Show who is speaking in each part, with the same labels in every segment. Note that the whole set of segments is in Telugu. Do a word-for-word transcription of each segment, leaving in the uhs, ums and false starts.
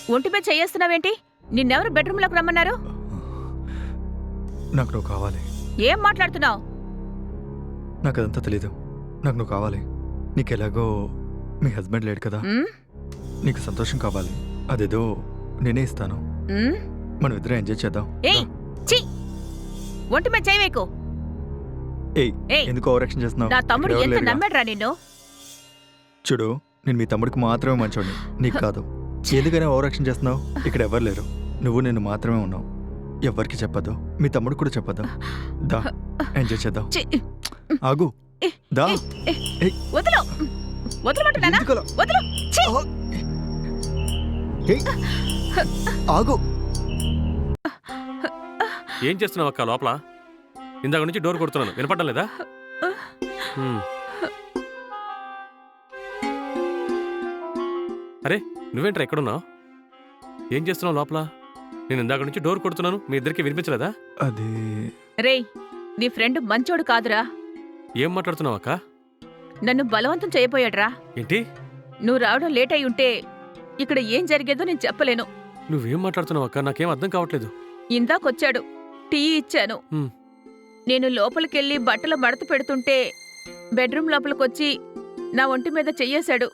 Speaker 1: ఒంటిపై చెయ్యేస్తున్నావేంటి? నిన్నెవరు బెడ్రూమ్లోకి రమ్మన్నారు?
Speaker 2: నాకు నువ్వు కావాలి.
Speaker 1: ఏం మాట్లాడుతున్నావు?
Speaker 2: నాకు అదంతా తెలీదు. నాకు నువ్వు కావాలి. నీకెలాగో మీ హస్బెండ్ లేడు కదా, నీకు సంతోషం కావాలి. అదేదో నేనే ఇస్తాను. మనం ఇద్దరం ఎంజాయ్ చేద్దాం.
Speaker 1: ఒంటిపై చేయవేకు.
Speaker 2: ఎందుకు ఓవర్ యాక్షన్ చేస్తున్నావు?
Speaker 1: నా తమ్ముడు ఎంత నమ్మాడురా నిన్ను.
Speaker 2: చూడు, నేను మీ తమ్ముడికి మాత్రమే మంచోడిని, నీకు కాదు. ఎందుకనే ఓవర్ యాక్షన్ చేస్తున్నావు? ఇక్కడ ఎవరు లేరు, నువ్వు నేను మాత్రమే ఉన్నావు. ఎవరికి చెప్పద్దు, మీ తమ్ముడు కూడా చెప్పద్దు. దా ఎంజాయ్ చేద్దాం. ఆగు, దా.
Speaker 1: వదలు, వదలమంటున్నానా? వదలు.
Speaker 2: ఆగు.
Speaker 3: ఏం చేస్తున్నావు అక్క లోపల? ఇందాక నుంచి డోర్ కొడుతున్నాను, వినపడడం లేదా? అరే నువ్వేంట్రా ఎక్కడున్నావు? ఏం చేస్తున్నావు లోపల? నేను ఇందాక నుంచి డోర్ కొడుతున్నాను, మీ ఇద్దరికి వినిపించలేదా?
Speaker 2: అది
Speaker 1: రేయ్, నీ ఫ్రెండ్ మంచోడు కాదురా.
Speaker 3: ఏం మాట్లాడుతున్నావు అక్క?
Speaker 1: నన్ను బలవంతం చేయబోయాడ్రా.
Speaker 3: ఏంటి?
Speaker 1: నువ్వు రావడం లేట్ అయి ఉంటే ఇక్కడ ఏం జరిగేదో నేను చెప్పలేను.
Speaker 3: నువ్వేం మాట్లాడుతున్నావు అక్క? నాకేం అర్థం కావట్లేదు.
Speaker 1: ఇందాకొచ్చాడు, టీ ఇచ్చాను. నేను లోపలికెళ్ళి బట్టలు మడత పెడుతుంటే బెడ్రూమ్ లోపలికొచ్చి నా ఒంటి మీద చెయ్యేశాడు.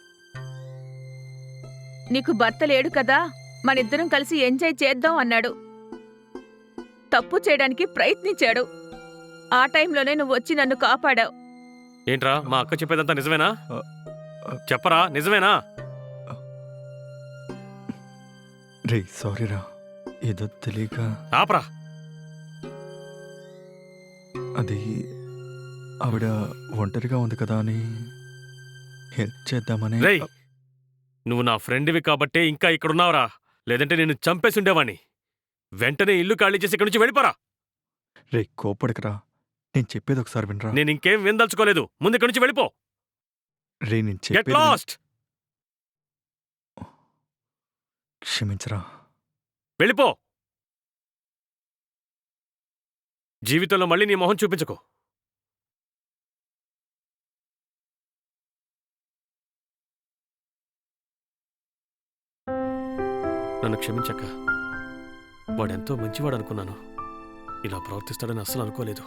Speaker 1: నీకు భర్త లేడు కదా, మనిద్దరం కలిసి ఎంజాయ్ చేద్దాం అన్నాడు. తప్పు చేయడానికి ప్రయత్నించాడు. ఆ టైంలోనే నువ్వు వచ్చి నన్ను కాపాడావు.
Speaker 3: ఏంట్రా మా అక్క చెప్పేదంతా నిజమేనా? చెప్పరా, నిజమేనా?
Speaker 2: రే సారీరా, ఏదో తెలియక.
Speaker 3: ఆపరా.
Speaker 2: అది ఆవిడ ఒంటరిగా ఉంది కదా అని హెల్ప్ చేద్దామని.
Speaker 3: రేయ్, నువ్వు నా ఫ్రెండ్వి కాబట్టే ఇంకా ఇక్కడున్నావురా, లేదంటే నేను చంపేసి ఉండేవాణ్ణి. వెంటనే ఇల్లు ఖాళీ చేసి ఇక్కడి నుంచి వెళ్ళిపోరా.
Speaker 2: రే కోపడకరా, నేను చెప్పేది ఒకసారి వినరా.
Speaker 3: నేను ఇంకేం వినదలుచుకోలేదు, ముందు ఇక్కడి నుంచి వెళ్ళిపో.
Speaker 2: రే నేను
Speaker 3: గెట్
Speaker 2: చెప్పేది
Speaker 3: లాస్ట్.
Speaker 2: క్షమించరా.
Speaker 3: వెళ్ళిపో. జీవితంలో మళ్ళీ నీ మొహం చూపించకు. నన్ను క్షమించక్క. వాడెంతో మంచివాడు అనుకున్నాను, ఇలా ప్రవర్తిస్తాడని అస్సలు అనుకోలేదు.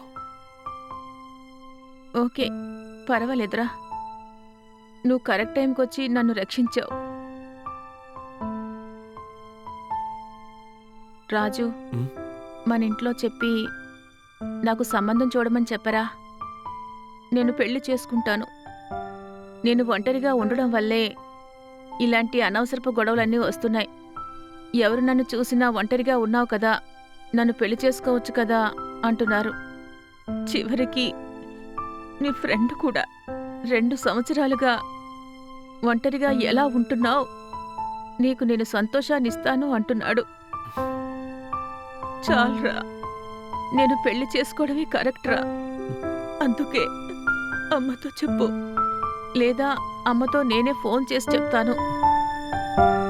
Speaker 1: ఓకే, పర్వాలేదురా. నువ్వు కరెక్ట్ టైంకి వచ్చి నన్ను రక్షించావు. రాజు, మన ఇంట్లో చెప్పి నాకు సంబంధం చూడమని చెప్పరా. నేను పెళ్లి చేసుకుంటాను. నేను ఒంటరిగా ఉండడం వల్లే ఇలాంటి అనవసరపు గొడవలన్నీ వస్తున్నాయి. ఎవరు నన్ను చూసినా ఒంటరిగా ఉన్నావు కదా, నన్ను పెళ్లి చేసుకోవచ్చు కదా అంటున్నారు. చివరికి నీ ఫ్రెండ్ కూడా రెండు సంవత్సరాలుగా ఒంటరిగా ఎలా ఉంటున్నావు, నీకు నేను సంతోషాన్నిస్తాను అంటున్నాడు. చాలరా, నేను పెళ్లి చేసుకోవడమే కరెక్ట్రా. అందుకే అమ్మతో చెప్పు, లేదా అమ్మతో నేనే ఫోన్ చేసి చెప్తాను.